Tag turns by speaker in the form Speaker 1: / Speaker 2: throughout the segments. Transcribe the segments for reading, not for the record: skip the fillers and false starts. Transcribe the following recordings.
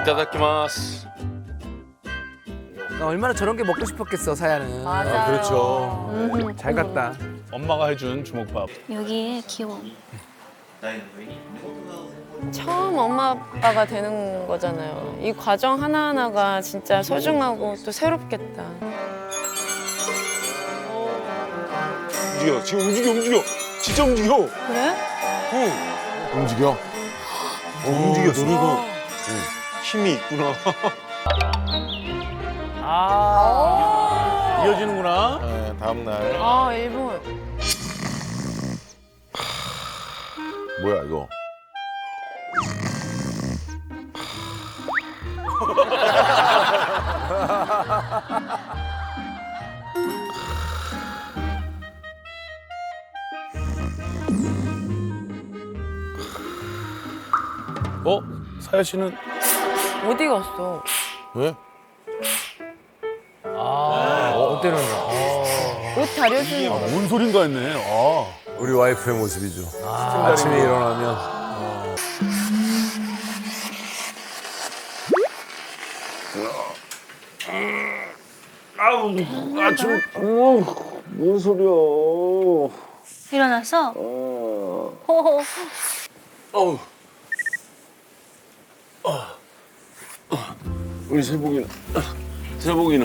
Speaker 1: 이타다키마스.
Speaker 2: 얼마나 저런 게 먹고 싶었겠어, 사야는.
Speaker 3: 맞아요.
Speaker 4: 그렇죠.
Speaker 2: 잘 갔다.
Speaker 5: 엄마가 해준 주먹밥.
Speaker 3: 여기에 귀여워.
Speaker 6: 처음 엄마 아빠가 되는 거잖아요. 이 과정 하나하나가 진짜 소중하고 또 새롭겠다.
Speaker 1: 움직여. 지금 움직여. 진짜 움직여.
Speaker 6: 그래?
Speaker 4: 움직여.
Speaker 1: 움직였어. 노래가 힘이 있구나.
Speaker 5: 이어지는구나.
Speaker 4: 네, 다음 날.
Speaker 6: 아, 일본.
Speaker 4: 뭐야 이거?
Speaker 5: 사야 씨는
Speaker 6: 어디 갔어?
Speaker 4: 왜?
Speaker 2: 어때는
Speaker 6: 옷 다려주는 거.
Speaker 5: 뭔 소린가 했네. 아.
Speaker 4: 우리 와이프의 모습이죠. 아침에 일어나면
Speaker 1: 뭔 소리야?
Speaker 3: 일어났어? 호호.
Speaker 1: 우리 세복이나. 세복아.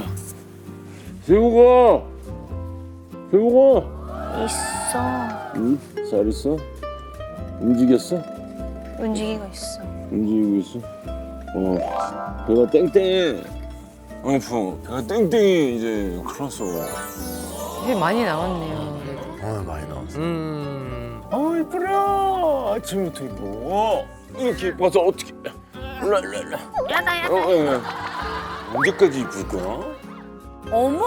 Speaker 3: 있어.
Speaker 1: 응? 잘 있어? 움직였어?
Speaker 3: 움직이고 있어.
Speaker 1: 움직이고 있어? 배가 땡땡해. 배가 땡땡해 이제 큰일 났어.
Speaker 6: 배 많이 나왔네요.
Speaker 4: 많이 나왔어.
Speaker 1: 이쁘라. 아침부터 이뻐. 이렇게 이뻐서 어떻게? 일로.
Speaker 3: 야다.
Speaker 1: 언제까지 이쁠 거야?
Speaker 3: 어머.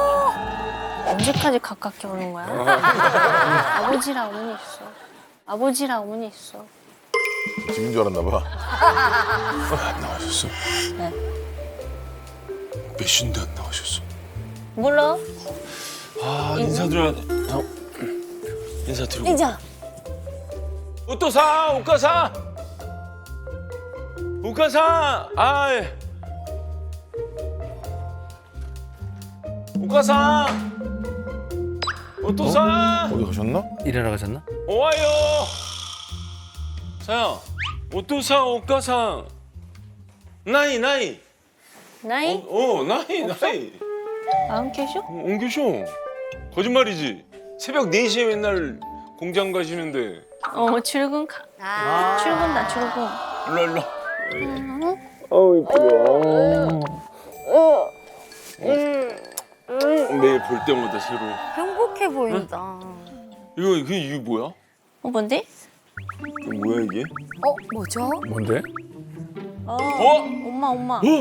Speaker 3: 언제까지 가깝게 오는 거야? 아버지랑 어머니 있어. 아버지랑 어머니 있어.
Speaker 4: 집인 줄 알았나 봐.
Speaker 1: 안 나가셨어?
Speaker 3: 네.
Speaker 1: 몇 시인데 안 나가셨어?
Speaker 3: 몰라?
Speaker 1: 인사드려야 돼. 인사드리고.
Speaker 3: 이자.
Speaker 1: 오토사, 오카사. 아이. 오카사. 오토사.
Speaker 4: 어디 가셨나?
Speaker 2: 일하러 가셨나?
Speaker 1: 오와요. 사야. 오토사, 오카사. 나이.
Speaker 3: 나이?
Speaker 1: 나이.
Speaker 3: 안 계셔?
Speaker 1: 안 계셔. 거짓말이지. 새벽 4시에 맨날 공장 가시는데.
Speaker 3: 출근 가. 출근다, 출근.
Speaker 1: 일로. 아우 이쁘다. 매일 볼 때마다 새로.
Speaker 3: 행복해 보인다.
Speaker 1: 이게 뭐야?
Speaker 3: 뭔데?
Speaker 1: 이거 뭐야 이게?
Speaker 3: 뭐죠?
Speaker 5: 뭔데?
Speaker 3: 엄마.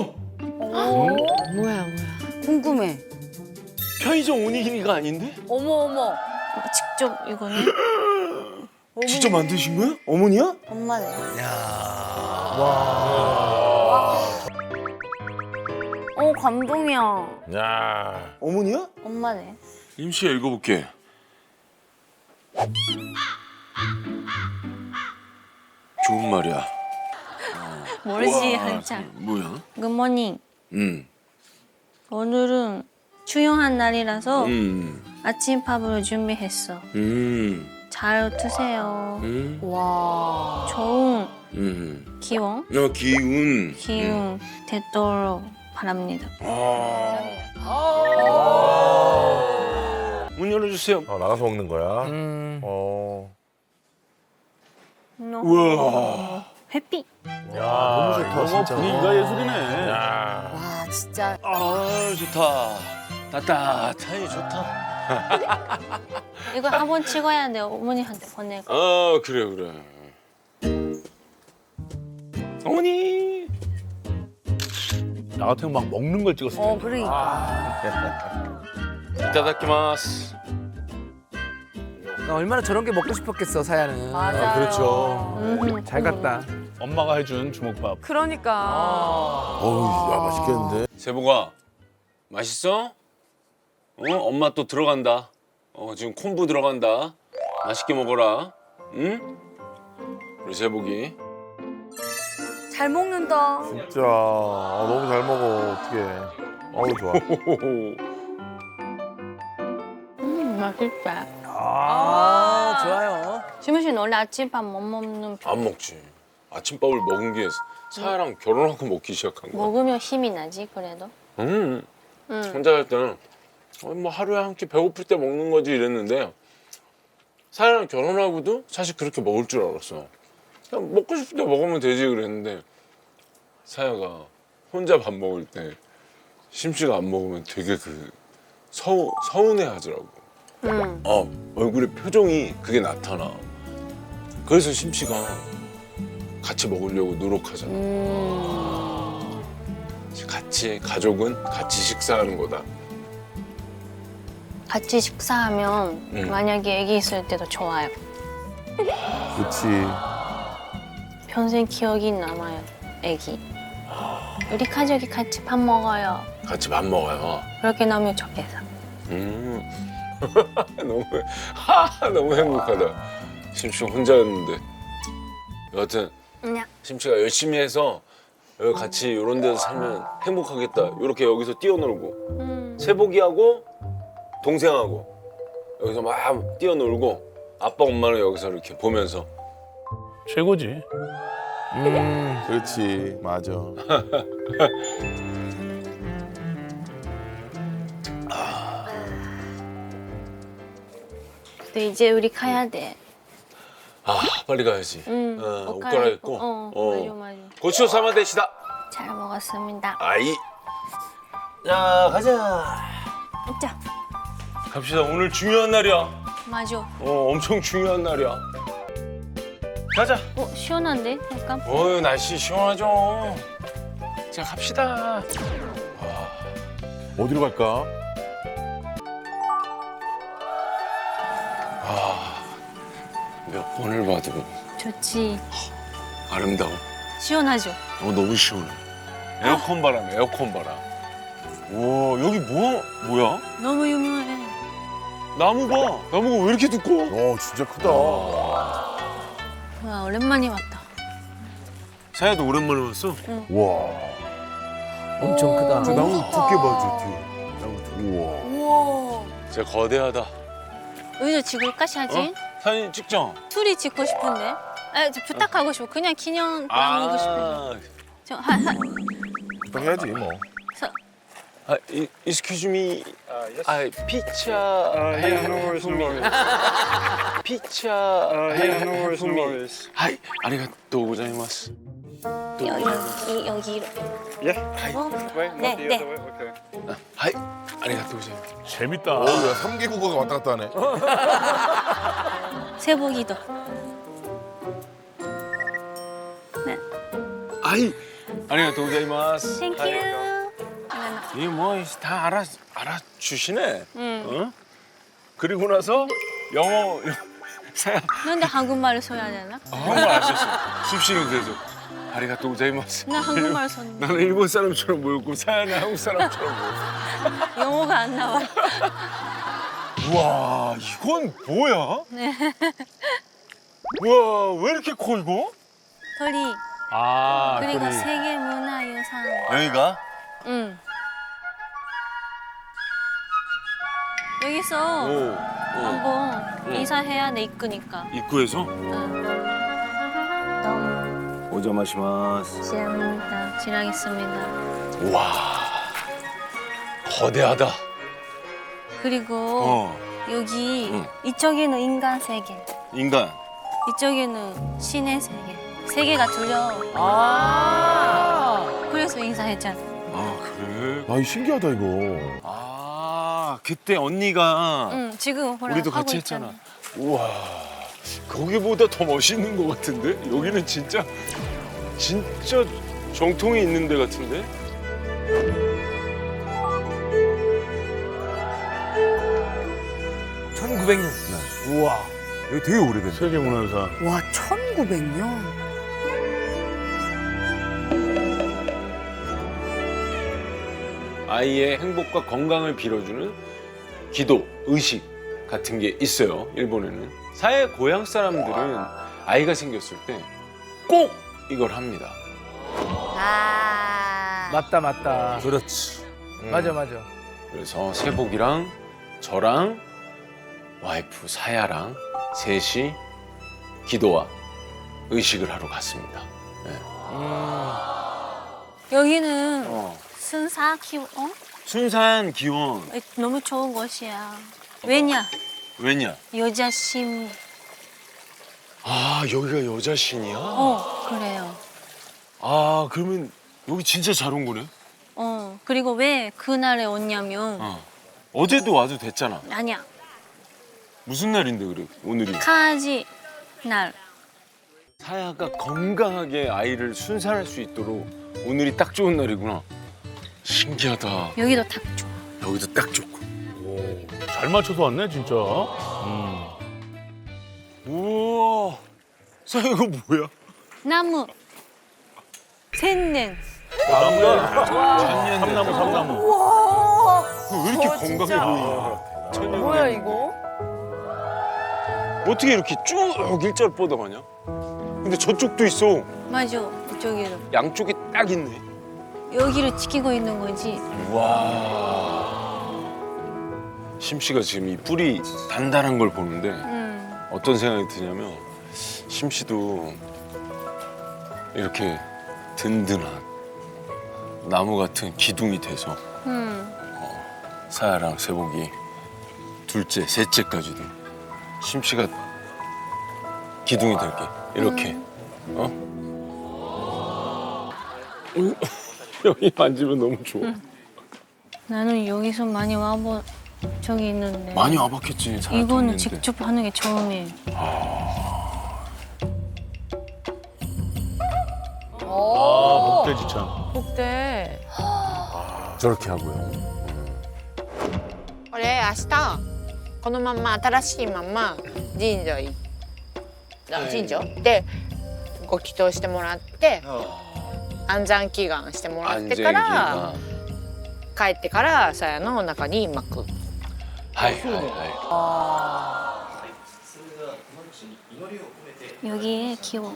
Speaker 6: 뭐야.
Speaker 3: 궁금해.
Speaker 1: 편의점 오니기니가 아닌데?
Speaker 3: 어머. 직접 이거는?
Speaker 1: 직접 만드신 거야? 어머니야?
Speaker 3: 엄마네. 감동이야.
Speaker 4: 야.
Speaker 1: 어머니야?
Speaker 3: 엄마네.
Speaker 1: 임시야 읽어볼게. 좋은 말이야.
Speaker 3: 모르지,
Speaker 1: 와,
Speaker 3: 한참.
Speaker 1: 뭐야?
Speaker 3: 굿모닝.
Speaker 1: 응.
Speaker 3: 오늘은 중요한 날이라서 아침밥을 준비했어. 잘 드세요.
Speaker 6: 와.
Speaker 3: 좋은 기운
Speaker 1: 기운.
Speaker 3: 되도록 바랍니다.
Speaker 1: 문 열어주세요.
Speaker 4: 나가서 먹는 거야.
Speaker 1: 우와.
Speaker 3: 햇빛.
Speaker 4: 너무 좋다 진짜.
Speaker 5: 분위기가 예술이네.
Speaker 4: 야.
Speaker 6: 와, 진짜.
Speaker 1: 좋다. 따뜻하니 좋다.
Speaker 3: 이거 한번 찍어야 돼. 어머니한테 보내고.
Speaker 1: 그래. 어머니.
Speaker 5: 나 같으면 막 먹는 걸 찍었을 텐데.
Speaker 6: 그러니까.
Speaker 1: 이타다키마스.
Speaker 2: 얼마나 저런 게 먹고 싶었겠어, 사야는.
Speaker 6: 맞아요.
Speaker 4: 그렇죠.
Speaker 2: 잘 갔다.
Speaker 5: 엄마가 해준 주먹밥.
Speaker 6: 그러니까.
Speaker 4: 어우, 야 맛있겠는데.
Speaker 1: 세복아, 맛있어? 엄마 또 들어간다. 지금 콤부 들어간다. 맛있게 먹어라. 응? 우리 세복이.
Speaker 7: 잘 먹는다.
Speaker 4: 진짜 너무 잘 먹어. 어떡해. 어우 좋아.
Speaker 3: 맛있다.
Speaker 2: 아, 좋아요.
Speaker 3: 지문 씨는 원래 아침밥 못 먹는 편.
Speaker 1: 안 먹지. 아침밥을 먹은 게 사야랑 결혼하고 먹기 시작한 거야.
Speaker 3: 먹으면 힘이 나지 그래도.
Speaker 1: 혼자 살 때는 뭐 하루에 한 끼 배고플 때 먹는 거지 이랬는데 사야랑 결혼하고도 사실 그렇게 먹을 줄 알았어. 그냥 먹고 싶을 때 먹으면 되지 그랬는데 사야가 혼자 밥 먹을 때 심씨가 안 먹으면 되게 그 서운해 하더라고. 얼굴에 표정이 그게 나타나. 그래서 심씨가 같이 먹으려고 노력하잖아. 같이 가족은 같이 식사하는 거다.
Speaker 3: 같이 식사하면 만약에 아기 있을 때도 좋아요.
Speaker 4: 그렇지.
Speaker 3: 평생 기억이 남아요. 아기. 우리 가족이 같이 밥 먹어요.
Speaker 1: 같이 밥 먹어요.
Speaker 3: 그렇게 나면 좋겠어.
Speaker 1: 너무 행복하다. 심씨가 혼자였는데. 여하튼 심씨가 열심히 해서 여기 같이 이런 데서 살면 행복하겠다. 이렇게 여기서 뛰어놀고 세복이하고 동생하고 여기서 막 뛰어놀고 아빠 엄마는 여기서 이렇게 보면서
Speaker 5: 최고지.
Speaker 4: 그렇지. 맞아.
Speaker 3: 근데 이제 우리 가야 돼.
Speaker 1: 아 빨리 가야지. 옷 갈아입고.
Speaker 3: 맞아 맞아.
Speaker 1: 고추 삼아 대시다.
Speaker 3: 잘 먹었습니다.
Speaker 1: 아이. 자 가자.
Speaker 3: 자,
Speaker 1: 갑시다. 오늘 중요한 날이야.
Speaker 3: 맞아.
Speaker 1: 엄청 중요한 날이야. 가자.
Speaker 3: 시원한데? 약간?
Speaker 1: 날씨 시원하죠. 자 갑시다.
Speaker 4: 어디로 갈까?
Speaker 1: 몇 번을 봐도
Speaker 3: 좋지.
Speaker 1: 아름다워.
Speaker 3: 시원하죠?
Speaker 1: 너무 시원해. 에어컨 바람, 에어컨 바람. 와 여기 뭐야?
Speaker 3: 너무 유명해.
Speaker 1: 나무가 왜 이렇게 두꺼워?
Speaker 4: 진짜 크다.
Speaker 3: 와, 오랜만에 왔다.
Speaker 1: 사야도 오랜만에 왔어.
Speaker 4: 와.
Speaker 2: 엄청 크다.
Speaker 4: 저 나무 두께 봐, 저 뒤에. 나무 두께. 우와.
Speaker 3: 우와.
Speaker 1: 진짜 거대하다.
Speaker 3: 여기서 찍을까, 사진?
Speaker 1: 사진 찍죠?
Speaker 3: 둘이 찍고 싶은데. 저 부탁하고 싶어. 그냥 기념 남기고 싶은데.
Speaker 4: 부탁해야지 뭐.
Speaker 1: excuse me. picture.
Speaker 8: Yeah, no worries, no worries.
Speaker 1: picture.
Speaker 8: Yeah, no worries, no worries.
Speaker 1: 하이, 아리가또 고자이마스.
Speaker 3: 여기로.
Speaker 8: Yeah. Wait,
Speaker 3: 네,
Speaker 8: not the
Speaker 3: 네.
Speaker 8: other way. Okay.
Speaker 1: 하이, 아리가또 고자이마스.
Speaker 5: 재밌다.
Speaker 4: 야, 3개 국어가 왔다 갔다 하네.
Speaker 3: 세복이도. 네.
Speaker 1: 하이, 아리가또 고자이마스.
Speaker 3: 땡큐.
Speaker 1: 이게 다 알아주시네. 어? 그리고 나서 영어 사야
Speaker 3: 근데 한국말을 써야 되나?
Speaker 1: 한국말 안 썼어. 습식은 그래서 아리가또 고자이마스.
Speaker 3: 나 한국말 썼는데
Speaker 1: 나는 일본 사람처럼 보였고 사야는 한국 사람처럼 보였어.
Speaker 3: 영어가 안 나와.
Speaker 1: 우와 이건 뭐야?
Speaker 3: 네.
Speaker 1: 우와 왜 이렇게 커 이거?
Speaker 3: 鳥. 그리고
Speaker 5: 그래.
Speaker 3: 세계 문화유산.
Speaker 1: 여기가?
Speaker 3: 응. 여기서 한번 인사해야 돼 입구니까.
Speaker 1: 입구에서?
Speaker 3: 응. 너무
Speaker 1: 오자마시마스.
Speaker 3: 감사합니다. 지나겠습니다.
Speaker 1: 우와 거대하다.
Speaker 3: 그리고 여기 이쪽에는 인간 세계,
Speaker 1: 인간.
Speaker 3: 이쪽에는 신의 세계. 세계가 둘려. 그래서 인사했잖아.
Speaker 1: 아 그래?
Speaker 4: 아, 신기하다 이거.
Speaker 1: 아 그때 언니가
Speaker 3: 응, 지금 보라
Speaker 1: 우리도
Speaker 3: 하고
Speaker 1: 같이
Speaker 3: 있잖아.
Speaker 1: 했잖아. 우와 거기보다 더 멋있는 것 같은데? 여기는 진짜 정통이 있는 데 같은데?
Speaker 2: 우와.
Speaker 4: 여기 되게 오래됐네.
Speaker 5: 세계문화유산.
Speaker 7: 와, 1900년?
Speaker 1: 아이의 행복과 건강을 빌어주는 기도, 의식 같은 게 있어요. 일본에는. 사회 고향 사람들은 아이가 생겼을 때 꼭 이걸 합니다.
Speaker 7: 아.
Speaker 2: 맞다 맞다.
Speaker 1: 그렇지.
Speaker 2: 맞아.
Speaker 1: 그래서 세복이랑 저랑 와이프 사야랑 셋이 기도와 의식을 하러 갔습니다.
Speaker 3: 여기는
Speaker 1: 어.
Speaker 3: 순사 키
Speaker 1: 순산 기원.
Speaker 3: 너무 좋은 곳이야. 왜냐?
Speaker 1: 왜냐?
Speaker 3: 여자 심.
Speaker 1: 아 여기가 여자신이야?
Speaker 3: 그래요.
Speaker 1: 아 그러면 여기 진짜 잘 온 거네?
Speaker 3: 그리고 왜 그날에 왔냐면
Speaker 1: 어제도 와도 됐잖아.
Speaker 3: 아니야.
Speaker 1: 무슨 날인데 그래 오늘이?
Speaker 3: 가지 날.
Speaker 1: 사야가 건강하게 아이를 순산할 수 있도록 오늘이 딱 좋은 날이구나. 신기하다.
Speaker 3: 여기도 딱 좋아.
Speaker 1: 여기도 딱 좋고.
Speaker 5: 잘 맞춰서 왔네 진짜.
Speaker 1: 우와. 사야 이거 뭐야?
Speaker 3: 나무. 샌넨.
Speaker 5: 삼나무.
Speaker 1: 왜 이렇게 건강해 보이냐?
Speaker 6: 뭐야 이거?
Speaker 1: 어떻게 이렇게 쭉 일자로 뻗어가냐? 근데 저쪽도 있어.
Speaker 3: 맞아. 이쪽에도.
Speaker 1: 양쪽에 딱 있네.
Speaker 3: 여기를 지키고 있는 거지.
Speaker 1: 와. 심씨가 지금 이 뿌리 단단한 걸 보는데 어떤 생각이 드냐면 심씨도 이렇게 든든한 나무 같은 기둥이 돼서 사야랑 세복이 둘째, 셋째까지도 심씨가 기둥이 될게 이렇게 여기 만지면 너무 좋아.
Speaker 3: 나는 여기서 많이 와본 적이 있는데.
Speaker 1: 많이 와봤겠지. 사야
Speaker 3: 이거는
Speaker 1: 됐는데.
Speaker 3: 직접 하는 게 처음이에요.
Speaker 5: 복대지참.
Speaker 6: 복대.
Speaker 1: 저렇게 하고요.
Speaker 6: これ明日このまま新しいまま神社行神社でご祈祷してもらって安産祈願してもらってから帰ってからさやの中に巻く。
Speaker 1: はいは
Speaker 3: 여기에 기원.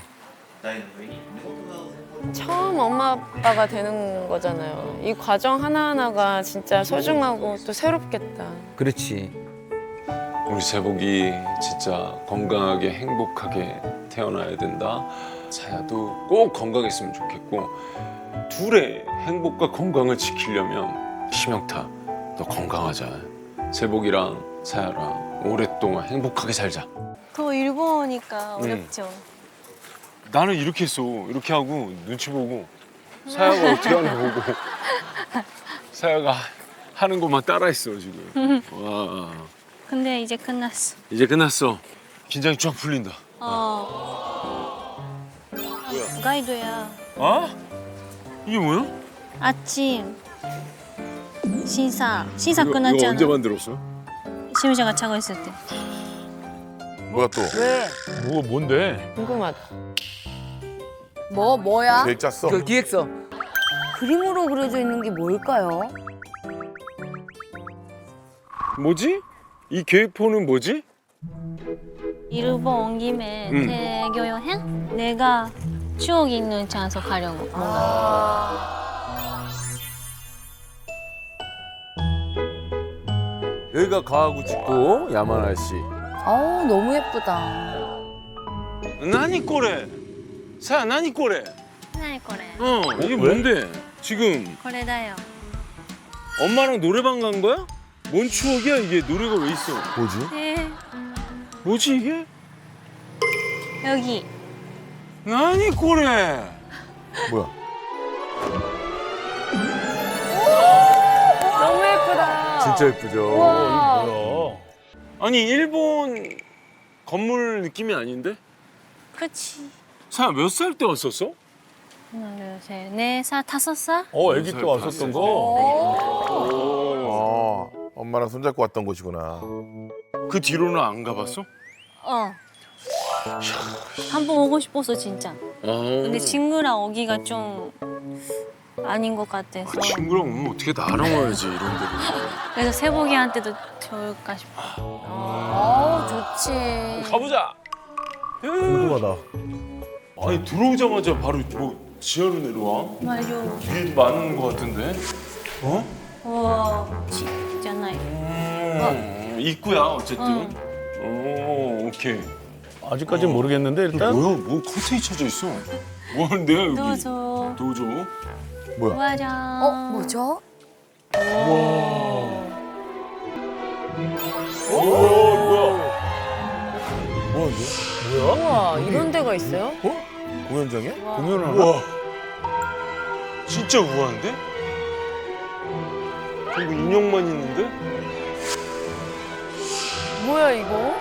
Speaker 6: 처음 엄마 아빠가 되는 거잖아요. 이 과정 하나하나가 진짜 소중하고 또 새롭겠다.
Speaker 2: 그렇지.
Speaker 1: 이. 우리 세복이 진짜 건강하게 행복하게 태어나야 된다. 사야도 꼭 건강했으면 좋겠고 둘의 행복과 건강을 지키려면 심영타 너 건강하자. 세복이랑 사야랑 오랫동안 행복하게 살자.
Speaker 3: 그거 일본어니까 어렵죠.
Speaker 1: 나는 이렇게 했어. 이렇게 하고 눈치 보고 사야가 어떻게 하나 보고 사야가 하는 것만 따라했어 지금. 와
Speaker 3: 근데 이제 끝났어.
Speaker 1: 이제 끝났어. 긴장이 쫙 풀린다.
Speaker 3: 가이드야.
Speaker 1: 아? 이게 뭐야?
Speaker 3: 아침 신사
Speaker 1: 이거
Speaker 3: 끝났잖아.
Speaker 1: 언제 만들었어?
Speaker 3: 시우자가 자고 있을 때.
Speaker 4: 뭐야 또?
Speaker 7: 왜?
Speaker 5: 뭐가 뭔데?
Speaker 6: 궁금하다.
Speaker 7: 뭐야?
Speaker 4: 계획 짰어?
Speaker 2: 그 기획서.
Speaker 7: 그림으로 그려져 있는 게 뭘까요?
Speaker 1: 뭐지? 이 계획표는 뭐지?
Speaker 3: 일본 온 김에 대교 여행? 내가 추억 있는 장소 가려고. 뭔가.
Speaker 1: 여기가 가와구치고 야마나시.
Speaker 7: 아우 너무 예쁘다.
Speaker 1: 나니 꼬레? 사야 나니 꼬레?
Speaker 3: 하나의 거래.
Speaker 1: 이게 뭔데? 지금
Speaker 3: 거래다요.
Speaker 1: 엄마랑 노래방 간 거야? 뭔 추억이야 이게? 노래가 왜 있어?
Speaker 4: 뭐지?
Speaker 3: 네.
Speaker 1: 뭐지 이게?
Speaker 3: 여기.
Speaker 1: 나니 꼬레?
Speaker 4: 뭐야?
Speaker 6: 너무 예쁘다.
Speaker 4: 진짜 예쁘죠?
Speaker 5: 뭐야?
Speaker 1: 아니 일본 건물 느낌이 아닌데?
Speaker 3: 그치.
Speaker 1: 사야 몇 살 때 왔었어?
Speaker 3: 하나, 둘, 셋, 넷 살, 5살?
Speaker 5: 아기 때 왔었던 거.
Speaker 4: 엄마랑 손잡고 왔던 곳이구나.
Speaker 1: 그 뒤로는 안 가봤어?
Speaker 3: 한 번 오고 싶었어, 진짜. 근데 친구랑 오기가 좀 아닌 것 같아서.
Speaker 1: 친구랑 오면 어떻게 나랑 와야지 이런 데로.
Speaker 3: 그래서 세복이한테도 좋을까 싶어.
Speaker 7: 좋지.
Speaker 1: 가보자.
Speaker 4: 궁금하다.
Speaker 1: 아니 들어오자마자 바로 뭐 지하로 내려와?
Speaker 3: 맞아.
Speaker 1: 위에도 많은 것 같은데? 어?
Speaker 3: 와, 집잖아요.
Speaker 1: 입구야 어쨌든. 오, 오케이.
Speaker 5: 아직까지는 모르겠는데 일단
Speaker 1: 뭐야? 뭐 커튼이 쳐져 있어? 뭐 하는데요 여기?
Speaker 3: 도저.
Speaker 1: 도저?
Speaker 3: 와장.
Speaker 7: 뭐죠?
Speaker 6: 우와 이런 데가 있어요?
Speaker 4: 공연장이야?
Speaker 5: 공연을 하나?
Speaker 1: 우와. 진짜 우아한데? 이거 인형만 있는데?
Speaker 6: 뭐야 이거?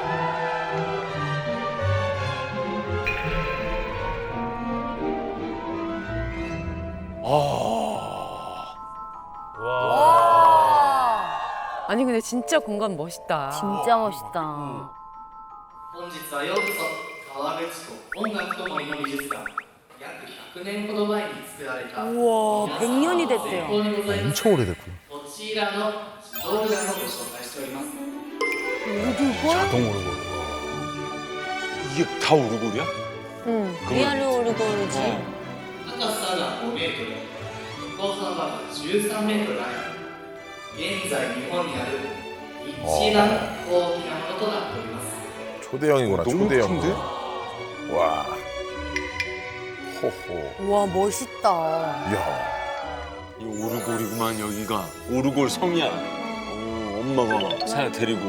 Speaker 6: 아니 근데 진짜 공간 멋있다.
Speaker 7: 진짜 멋있다.
Speaker 9: 本日はようこそ川口湖音楽と森の美術館約100年ほど前に作られた
Speaker 7: 우와, 100년이 됐대요.
Speaker 9: 最高にございます
Speaker 4: 엄청 오래됐구나.
Speaker 9: こちらの自動ルガンをご紹介しております
Speaker 5: 자동 오르고.
Speaker 1: 이게 다 오르골이야?
Speaker 6: 응.
Speaker 3: 리얼 오르골이지.
Speaker 9: 高さが5メートル横幅が13メートルあり現在日本にある一番大きなものとなっております
Speaker 4: 초대형이구나.
Speaker 1: 너무
Speaker 4: 초대형.
Speaker 1: 큰데?
Speaker 4: 와. 호호.
Speaker 7: 우와, 멋있다.
Speaker 4: 이야.
Speaker 1: 이 오르골이구만 여기가. 오르골 성이야. 엄마가 사야 데리고.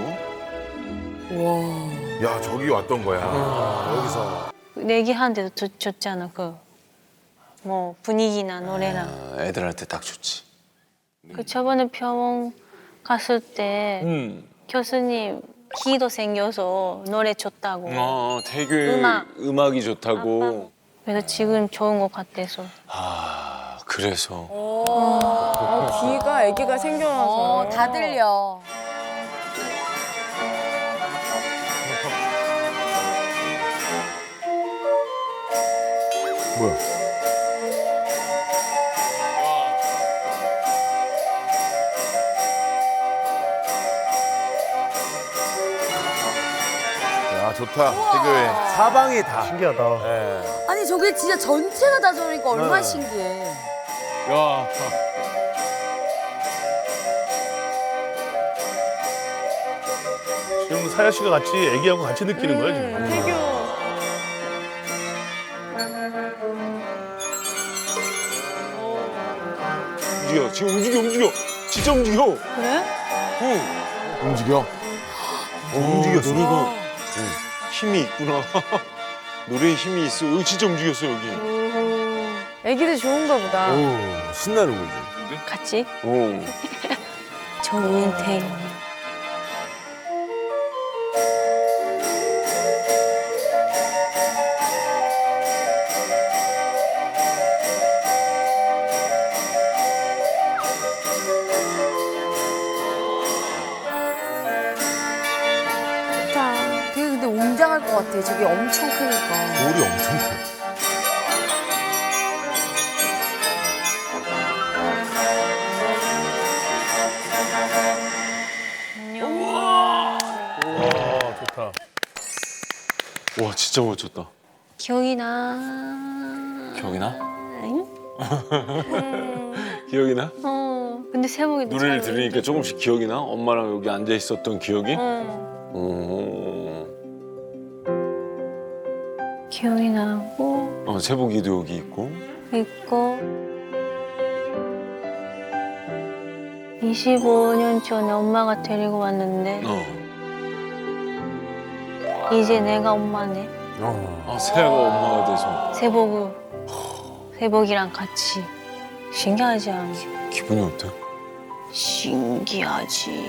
Speaker 7: 우와.
Speaker 4: 야 저기 왔던 거야. 여기서.
Speaker 3: 내기하는데도 좋잖아. 뭐 분위기나 노래나.
Speaker 1: 애들한테 딱 좋지.
Speaker 3: 그 저번에 병원 갔을 때 교수님 기도 생겨서 노래 좋다고.
Speaker 1: 되게 음악이 좋다고.
Speaker 3: 그래서 지금 좋은 것 같아서.
Speaker 1: 아 그래서.
Speaker 6: 귀가 아기가 생겨나서
Speaker 7: 다 들려.
Speaker 4: 뭐야? 야 좋다. 태교회.
Speaker 2: 사방이 다.
Speaker 5: 신기하다.
Speaker 4: 예.
Speaker 7: 아니, 저게 진짜 전체가 다 저러니까 얼마나 신기해.
Speaker 1: 야.
Speaker 5: 지금 사야 씨가 같이 애기하고 같이 느끼는 거야 지금.
Speaker 6: 태교
Speaker 1: 움직여. 지금 움직여. 진짜 움직여.
Speaker 3: 그래?
Speaker 4: 움직여.
Speaker 1: 움직였어. 노래가 힘이 있구나. 노래에 힘이 있어. 여기 진짜 움직였어 여기.
Speaker 6: 아기들 좋은가 보다.
Speaker 2: 오, 신나는 거지.
Speaker 3: 같이?
Speaker 1: 오.
Speaker 3: 정인태.
Speaker 7: 되게 근데 웅장할 것 같아. 저게 엄청 크니까.
Speaker 4: 돌이 엄청 커.
Speaker 5: 와 좋다.
Speaker 1: 와 진짜 멋졌다.
Speaker 3: 기억이 나.
Speaker 1: 기억이 나?
Speaker 3: 응?
Speaker 1: 기억이 나?
Speaker 3: 근데 세목이
Speaker 1: 노래를 들으니까 조금씩 기억이 나? 엄마랑 여기 앉아 있었던 기억이?
Speaker 3: 기억이 나고
Speaker 1: 세복이도 여기 있고.
Speaker 3: 25년 전에 엄마가 데리고 왔는데 이제 내가 엄마네.
Speaker 1: 세아가 엄마가 돼서
Speaker 3: 세복이랑 같이. 신기하지 않아?
Speaker 1: 기분이 어때?
Speaker 3: 신기하지.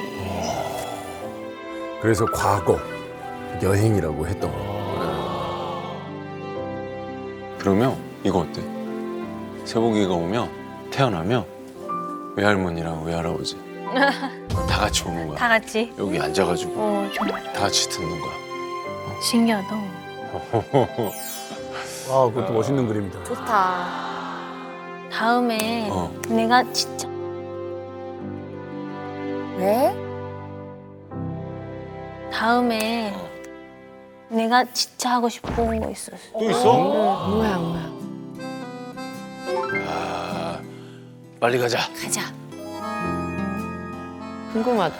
Speaker 2: 그래서 과거 여행이라고 했던 거.
Speaker 1: 그러면 이거 어때? 세복이가 오면 태어나면 외할머니랑 외할아버지 다 같이 오는 거야.
Speaker 3: 다 같이?
Speaker 1: 여기 앉아가지고
Speaker 3: 좋아.
Speaker 1: 다 같이 듣는 거야.
Speaker 3: 신기하다.
Speaker 2: 아, 그것도 멋있는 그림이다.
Speaker 7: 좋다.
Speaker 3: 다음에 내가 진짜
Speaker 7: 왜?
Speaker 3: 다음에 내가 진짜 하고 싶은 거 있었어.
Speaker 1: 또 있어?
Speaker 6: 뭐야 뭐야.
Speaker 1: 빨리 가자.
Speaker 3: 가자.
Speaker 6: 궁금하다.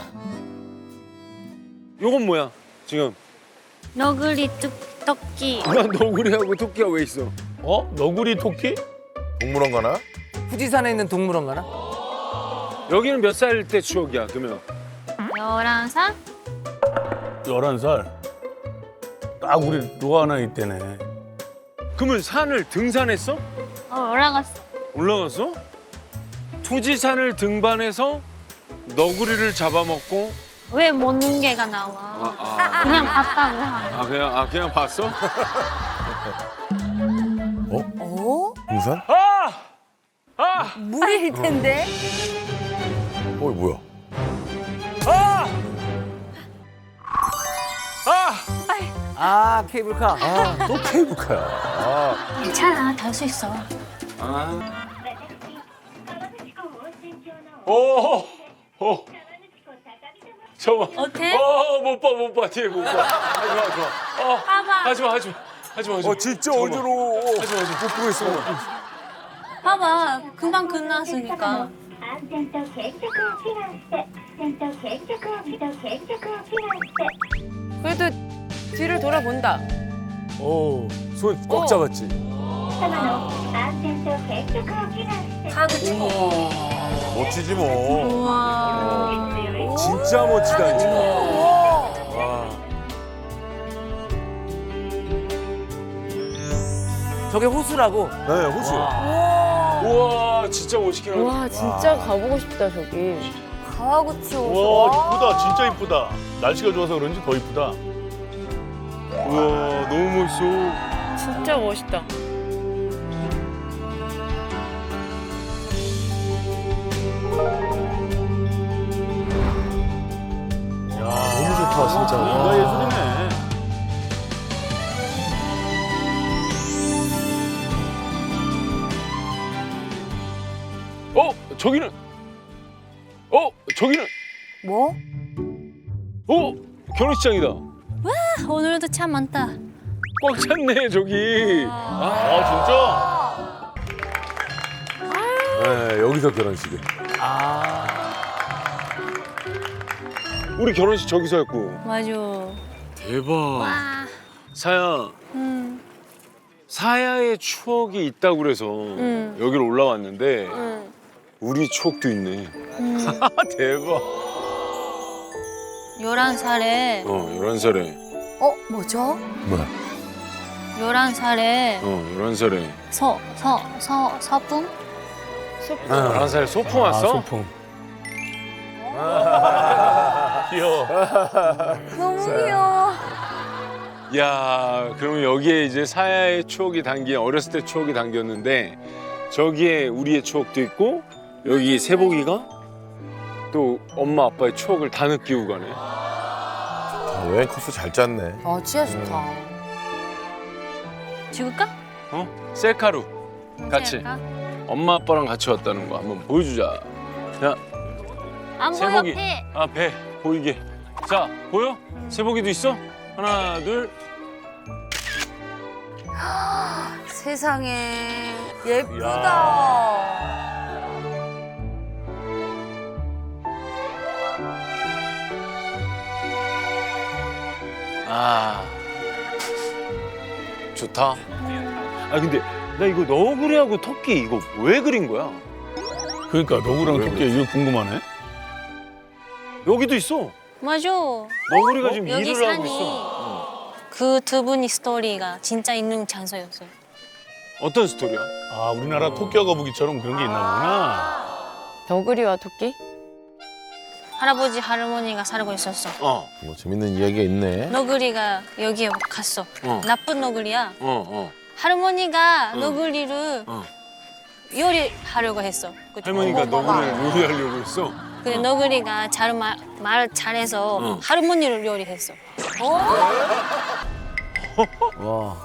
Speaker 1: 요건 뭐야? 지금
Speaker 3: 너구리 토끼.
Speaker 1: 난 너구리하고 토끼가 왜 있어?
Speaker 5: 어? 너구리 토끼?
Speaker 4: 동물원 가나?
Speaker 2: 富士山에 있는 동물원 가나?
Speaker 1: 여기는 몇 살 때 추억이야? 그러면
Speaker 3: 11살?
Speaker 5: 11살. 딱 우리 로아 나이 때네.
Speaker 1: 그러면 산을 등산했어?
Speaker 3: 올라갔어.
Speaker 1: 올라갔어?富士山을 등반해서 너구리를 잡아먹고
Speaker 3: 왜 먹는 개가 나와? 그냥 봤다고 하네.
Speaker 1: 그냥 봤어?
Speaker 7: 어?
Speaker 4: 등산?
Speaker 7: 물일 텐데.
Speaker 4: 뭐야?
Speaker 2: 아 케이블카. 또 케이블카야.
Speaker 3: 괜찮아, 탈 수 있어.
Speaker 1: 오. 잠깐만.
Speaker 3: 어때?
Speaker 1: 못 봐. 뒤에 못 봐. 하지 마.
Speaker 3: 봐봐.
Speaker 1: 하지 마.
Speaker 4: 진짜 어지러워.
Speaker 1: 하지 마.
Speaker 4: 못 보고 있어.
Speaker 3: 봐봐. 금방 끝났으니까.
Speaker 10: 安全と継続を祈願して安全と継続を祈願して
Speaker 6: 그래도 뒤를 돌아본다.
Speaker 2: 오, 손 꽉 잡았지.
Speaker 10: 様の安全と継続を祈願して
Speaker 3: 가고 싶어.
Speaker 4: 멋지지 뭐.
Speaker 3: 우와.
Speaker 2: 진짜 멋지다. 진짜. 저게 호수라고?
Speaker 4: 네, 호수.
Speaker 1: 우와, 진짜 멋있긴 하다.
Speaker 6: 와 진짜 가보고 싶다 저기.
Speaker 7: 가와구치 호수.
Speaker 5: 와 이쁘다. 진짜 이쁘다. 날씨가 좋아서 그런지 더 이쁘다.
Speaker 1: 우와, 너무 멋있어.
Speaker 6: 진짜 멋있다.
Speaker 4: 너무 좋다, 진짜.
Speaker 5: 뭔가 예술이네.
Speaker 1: 저기는
Speaker 7: 뭐?
Speaker 1: 결혼식장이다.
Speaker 3: 오늘도 참 많다.
Speaker 1: 꽉 찼네, 저기.
Speaker 5: 아
Speaker 2: 네, 여기서 결혼식이.
Speaker 1: 우리 결혼식 저기서 했고.
Speaker 3: 맞아.
Speaker 1: 대박.
Speaker 3: 와.
Speaker 1: 사야,
Speaker 3: 응.
Speaker 1: 사야의 추억이 있다고 그래서 여기로 올라왔는데
Speaker 3: 응.
Speaker 1: 우리 추억도 있네.
Speaker 3: 응.
Speaker 1: 대박.
Speaker 3: 11살에
Speaker 1: 11살에.
Speaker 7: 뭐죠?
Speaker 2: 뭐야?
Speaker 3: 11살에
Speaker 1: 11살에.
Speaker 3: 서풍?
Speaker 1: 11살에 소풍 왔어?
Speaker 2: 소풍.
Speaker 5: 귀여워.
Speaker 7: 너무 귀여워.
Speaker 1: 야, 그러면 여기에 이제 사야의 추억이 담긴, 어렸을 때 추억이 담겼는데 저기에 우리의 추억도 있고 여기 세복이가 또 엄마 아빠의 추억을 다 느끼고 가네.
Speaker 4: 여행 코스 잘 짰네.
Speaker 7: 아 진짜 좋다.
Speaker 3: 찍을까?
Speaker 1: 셀카로 같이
Speaker 3: 찍을까?
Speaker 1: 엄마 아빠랑 같이 왔다는 거 한번 보여주자. 자,
Speaker 3: 안 보여,
Speaker 1: 세복이.
Speaker 3: 배.
Speaker 1: 배 보이게. 자, 보여? 세복이도 있어? 하나, 둘.
Speaker 7: 세상에 예쁘다.
Speaker 1: 좋다. 근데 나 이거 너구리하고 토끼 이거 왜 그린 거야?
Speaker 5: 그러니까 너구랑 토끼 이거 궁금하네.
Speaker 1: 여기도 있어.
Speaker 3: 맞아.
Speaker 1: 너구리가 지금
Speaker 3: 여기
Speaker 1: 일을 하고
Speaker 3: 산이
Speaker 1: 있어.
Speaker 3: 그 두 분이 스토리가 진짜 있는 장소였어요.
Speaker 1: 어떤 스토리야?
Speaker 5: 아 우리나라 토끼와 거북이처럼 그런 게 있나 보구나.
Speaker 6: 너구리와 토끼?
Speaker 3: 할아버지 할머니가 살고 있었어.
Speaker 4: 뭐 재밌는 이야기가 있네.
Speaker 3: 너구리가 여기에 갔어. 나쁜 너구리야. 할머니가
Speaker 1: 응.
Speaker 3: 너구리를 요리하려고 했어. 그쵸?
Speaker 1: 할머니가 너구리를 요리하려고 했어.
Speaker 3: 근데 너구리가 말 잘해서 할머니를 요리했어.
Speaker 2: 와.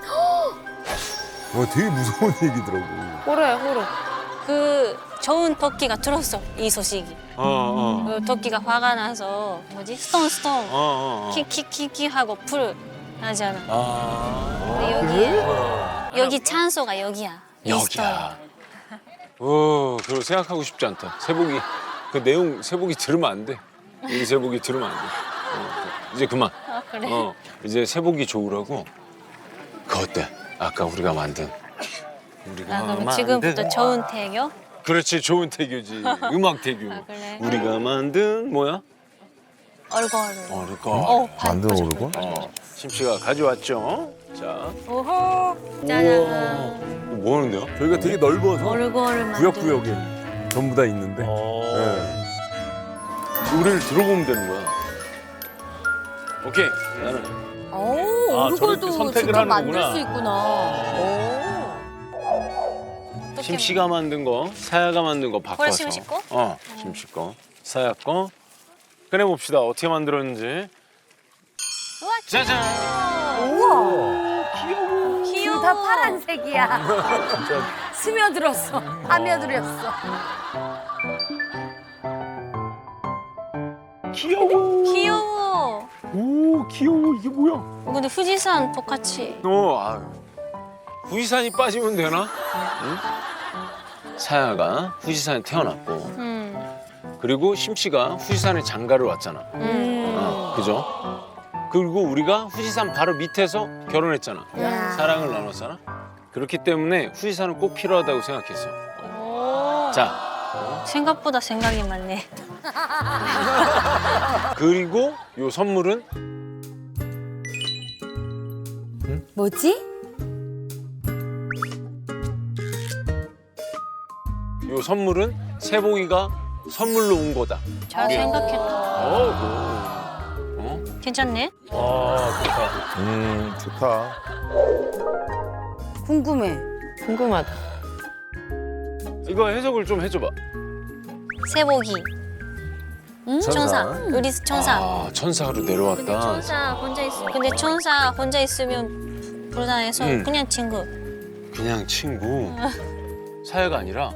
Speaker 2: 와, 되게 무서운 얘기더라고.
Speaker 6: 호러야 호러.
Speaker 3: 그 좋은 토끼가 들었어 이 소식이. 그 토끼가 화가 나서 뭐지 스톤 킥킥킥킥 하고 풀 하잖아. 근데 여기 찬소가 여기야. 이 스토리.
Speaker 1: 여기야. 그걸 생각하고 싶지 않다. 세복이 그 내용 세복이 들으면 안 돼. 이 세복이 들으면 안 돼. 이제 그만.
Speaker 3: 아, 그래?
Speaker 1: 이제 세복이 좋으라고. 그거 어때? 아까 우리가 만든.
Speaker 3: 아, 그럼 지금부터 좋은 태교?
Speaker 1: 그렇지, 좋은 태교지. 음악 태교.
Speaker 3: 아, 그래?
Speaker 1: 우리가 만든 뭐야?
Speaker 3: 얼굴.
Speaker 1: 얼굴.
Speaker 4: 만든 얼굴?
Speaker 1: 심씨가 가져왔죠. 자,
Speaker 3: 오호. 짜잔.
Speaker 1: 뭐 하는데요?
Speaker 2: 저희가 되게 넓어서
Speaker 3: 얼굴을 만들.
Speaker 2: 구역구역에 전부 다 있는데. 네.
Speaker 1: 노래를 들어보면 되는 거야. 오케이, 나는.
Speaker 7: 오,
Speaker 5: 아,
Speaker 7: 얼굴도
Speaker 5: 저렇게 선택을
Speaker 7: 직접
Speaker 5: 하는
Speaker 7: 만들
Speaker 5: 거구나.
Speaker 7: 수 있구나.
Speaker 1: 심씨가 만든 거, 사야가 만든 거 바꿔서.
Speaker 3: 그래, 심씨 거?
Speaker 1: 심씨 거. 사야 거. 꺼내봅시다. 어떻게 만들었는지.
Speaker 3: 우와,
Speaker 1: 짜잔!
Speaker 3: 귀여워.
Speaker 7: 다 파란색이야. 스며들었어. 파며들었어.
Speaker 3: 귀여워.
Speaker 1: 오, 귀여워. 이게 뭐야?
Speaker 3: 근데富士山 똑같이.
Speaker 1: 후지산이 빠지면 되나? 응? 사야가 후지산에 태어났고, 그리고 심씨가 후지산에 장가를 왔잖아. 그죠? 그리고 우리가 후지산 바로 밑에서 결혼했잖아.
Speaker 7: 야.
Speaker 1: 사랑을 나눴잖아. 그렇기 때문에 후지산은 꼭 필요하다고 생각했어.
Speaker 3: 오.
Speaker 1: 자,
Speaker 3: 생각보다 생각이 많네.
Speaker 1: 그리고 요 선물은
Speaker 7: 뭐지?
Speaker 1: 요 선물은 세복이가 선물로 온 거다.
Speaker 3: 잘 생각했다. 괜찮네?
Speaker 5: 아, 좋다.
Speaker 4: 좋다.
Speaker 7: 궁금해.
Speaker 6: 궁금하다.
Speaker 1: 이거 해석을 좀 해줘봐.
Speaker 3: 세복이. 천사. 우리 천사.
Speaker 1: 아, 천사로 내려왔다.
Speaker 3: 천사 혼자 있어. 근데 천사 혼자 있으면 불안해서 그냥 친구.
Speaker 1: 그냥 친구. 사야가 아니라.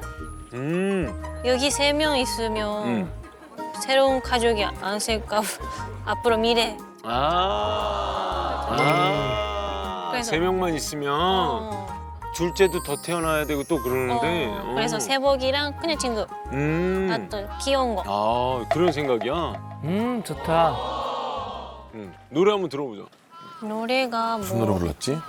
Speaker 3: 여기 3명 있으면 새로운 가족이 안 생길까 앞으로 미래. 그래서
Speaker 1: 3명만 있으면 둘째도 더 태어나야 되고 또 그러는데.
Speaker 3: 그래서 세복이랑 그냥 친구. 아, 또 귀여운 거.
Speaker 1: 아, 그런 생각이야?
Speaker 2: 좋다.
Speaker 1: 노래 한번 들어보자.
Speaker 3: 노래가
Speaker 2: 무슨 노래
Speaker 3: 뭐
Speaker 2: 불렀지?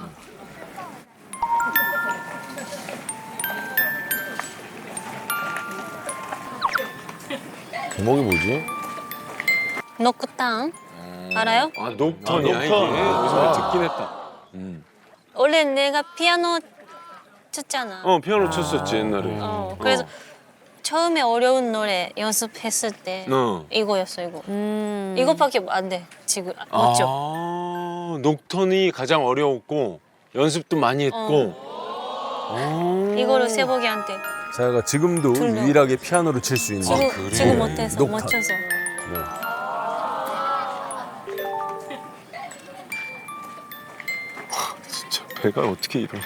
Speaker 2: 제목이 뭐지?
Speaker 3: 노크땅 알아요?
Speaker 1: 아, 녹턴이야,
Speaker 5: 녹턴.
Speaker 1: 이게. 여기서 듣긴 했다.
Speaker 3: 원래 내가 피아노 쳤잖아.
Speaker 1: 피아노 쳤었지, 옛날에.
Speaker 3: 그래서 처음에 어려운 노래 연습했을 때 이거였어, 이거. 이거밖에 안 돼, 지금. 맞죠?
Speaker 1: 녹턴이 가장 어려웠고 연습도 많이 했고.
Speaker 3: 이거를 세복이한테.
Speaker 2: 자가 지금도
Speaker 3: 둘러.
Speaker 2: 유일하게 피아노를 칠 수 있는.
Speaker 3: 지금 못해서
Speaker 2: 녹턴.
Speaker 3: 못 쳐서.
Speaker 1: 진짜 배가 어떻게 이래.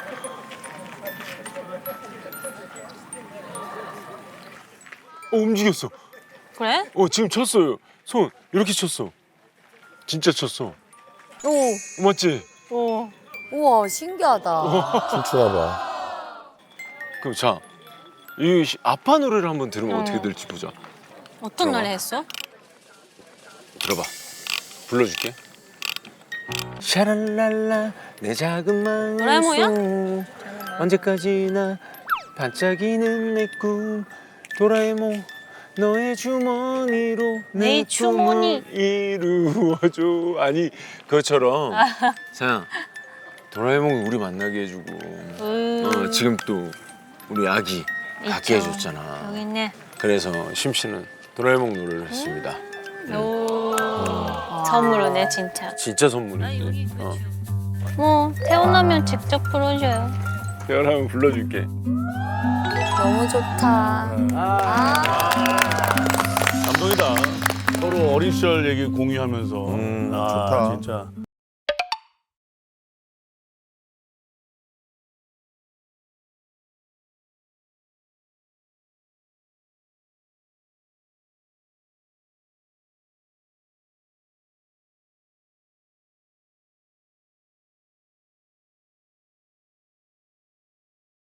Speaker 1: 움직였어.
Speaker 3: 그래?
Speaker 1: 지금 쳤어요. 손 이렇게 쳤어. 진짜 쳤어.
Speaker 7: 오,
Speaker 1: 맞지?
Speaker 3: 오.
Speaker 7: 우와, 신기하다.
Speaker 4: 춤추나 봐.
Speaker 1: 그럼 자, 이 아빠 노래를 한번 들으면 어떻게 될지 보자.
Speaker 3: 어떤
Speaker 1: 들어봐.
Speaker 3: 노래 했어?
Speaker 1: 들어봐. 불러줄게. 샤랄랄라 내 작은 마음
Speaker 3: 도라에몽이야?
Speaker 1: 언제까지나 반짝이는 내 꿈 도라에몽 너의 주머니로
Speaker 3: 내 주머니.
Speaker 1: 꿈을 이루어줘. 아니 그것처럼 사양 도라에몽이 우리 만나게 해주고 지금 또 우리 아기 갖게
Speaker 3: 있죠.
Speaker 1: 해줬잖아.
Speaker 3: 여기 있네.
Speaker 1: 그래서 심씨는 도라에몽 노래를 했습니다.
Speaker 3: 오. 선물이네, 진짜.
Speaker 1: 진짜 선물이지.
Speaker 3: 뭐 태어나면 직접 불러줘요.
Speaker 1: 태어나면 불러줄게.
Speaker 7: 너무 좋다.
Speaker 5: 감동이다. 서로 어린 시절 얘기 공유하면서.
Speaker 4: 좋다.
Speaker 5: 진짜.